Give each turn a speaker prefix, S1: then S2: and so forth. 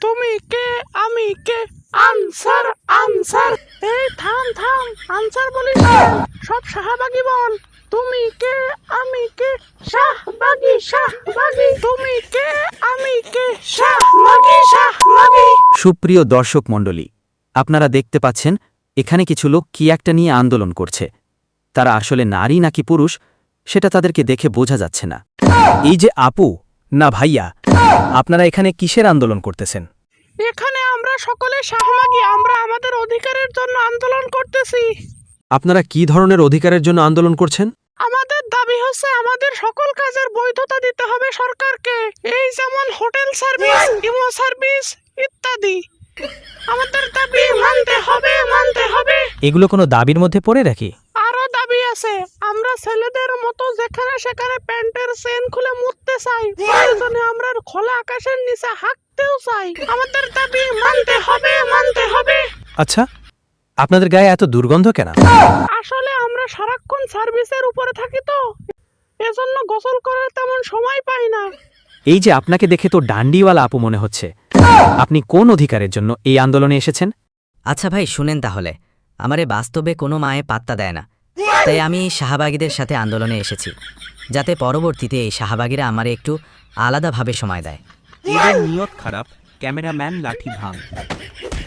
S1: তুমি কে আমি কে answer answer. এই থাম থাম, আনসার বলিস না, সব শাহবাগী বল। তুমি কে আমি কে শাহবাগী শাহবাগী। তুমি কে আমি কে শাহবাগী শাহবাগী।
S2: সুপ্রিয় দর্শক মণ্ডলী, আপনারা দেখতে পাচ্ছেন এখানে কিছু লোক কি একটা নিয়ে আন্দোলন করছে। তারা আসলে নারী নাকি পুরুষ সেটা তাদেরকে দেখে বোঝা যাচ্ছে না।
S3: এই যে আপু না ভাইয়া, আপনারা এখানে কিসের আন্দোলন করতেছেন?
S1: এখানে আমরা সকলে শাহবাগী, আমরা আমাদের অধিকারের জন্য আন্দোলন করতেছি।
S4: আপনারা কি ধরনের অধিকারের জন্য আন্দোলন করছেন?
S1: আমাদের দাবি হচ্ছে আমাদের সকল কাজের বৈধতা দিতে হবে সরকারকে, এই যেমন হোটেল সার্ভিস, ইমো সার্ভিস ইত্যাদি। আমাদের দাবি মানতে হবে মানতে হবে।
S3: এগুলো কোনো দাবির মধ্যে পড়ে রাখি?
S1: আরো দাবি আছে, আমরা ছেলেদের মতো যেখানে সেখানে প্যান্টের চেন খুলে মুততে চাই, প্রয়োজনে আমরা খোলা আকাশের নিচে হাঁটতেও চাই। আমাদের দাবি মানতে হবে মানতে হবে।
S3: আচ্ছা, আপনাদের গায়ে এত দুর্গন্ধ কেন?
S1: আসলে আমরা সারাক্ষণ সার্ভিসের উপরে থাকি তো, এজন্য গোসল করার তেমন সময় পাই না।
S3: এই যে আপনাকে দেখে তো ডান্ডিওয়ালা আপু মনে হচ্ছে, আপনি কোন অধিকারের জন্য এই আন্দোলনে এসেছেন?
S5: আচ্ছা ভাই শুনেন, তাহলে আমারে বাস্তবে কোনো মায়ে পাত্তা দেয় না, তাই আমি শাহবাগীদের সাথে আন্দোলনে এসেছি, যাতে পরবর্তীতে এই শাহবাগীরা আমারে একটু আলাদাভাবে সময় দেয়।
S6: এদের নিয়ত খারাপ, ক্যামেরাম্যান লাঠি ভাঙ।